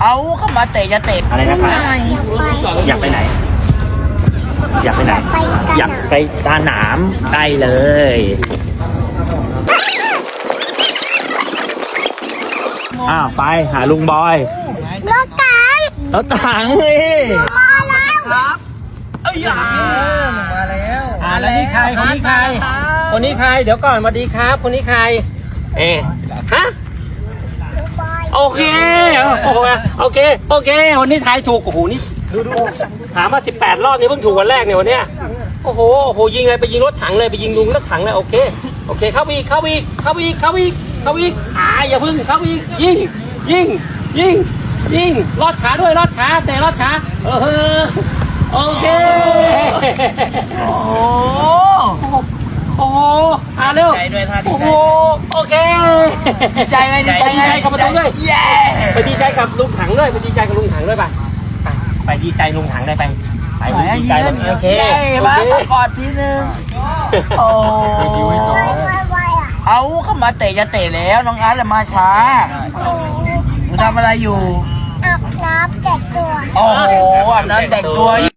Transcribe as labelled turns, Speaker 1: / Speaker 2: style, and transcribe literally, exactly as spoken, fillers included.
Speaker 1: เอาเข้ามาเตะจะเตะอะไรนะครับอยากไปไหนอยากไปไหนอยากไปตาหนามได้เลยอ้าวไปหาลุงบอยรถถังรถถังนี่มาแล้วครับเอ้ยมาแล้วอ่าแล้วนี่ใครคนนี้ใครคนนี้ใครเดี๋ยวก่อนสวัสดีครับคนนี้ใครเอ๊ะฮะโอเคโอเคโอเคโอเควันนี้ทายถูกโอ้โหนี่ดูดูถามมาสิบแปดรอบนี่เพิ่งถูกวันแรกเนี่ยวันเนี้ยโอ้โหโอ้โหยิงเลยไปยิงรถถังเลยไปยิงลุงรถถังเลยโอเคโอเคเข้าอีกเข้าอีกเข้าอีกเข้าอีกเข้าอีกอ่าอย่าพึ่งเข้าอีกยิงยิงยิงยิงลอดขาด้วยลอดขาแต่ลอดขาเออโอเคโอ้โหโอ้โหอ่าเร็วโอ้โหโอเคดีใจไหมดีใจดีใจกับประตูด้วยไปดีใจกับลุงถังด้วยไปดีใจกับลุงถังด้วยป่ะไปดีใจลุงถังได้ไปไปดีใจโอเคมากอดทีนึงโอ้เอาเข้ามาเตะจะเตะแล้วน้องอาร์ตเลยมาช้าหนูทำอะไรอยู่อาบน้ำแต่งตัวโอ้โหอาบน้ำแต่งตัว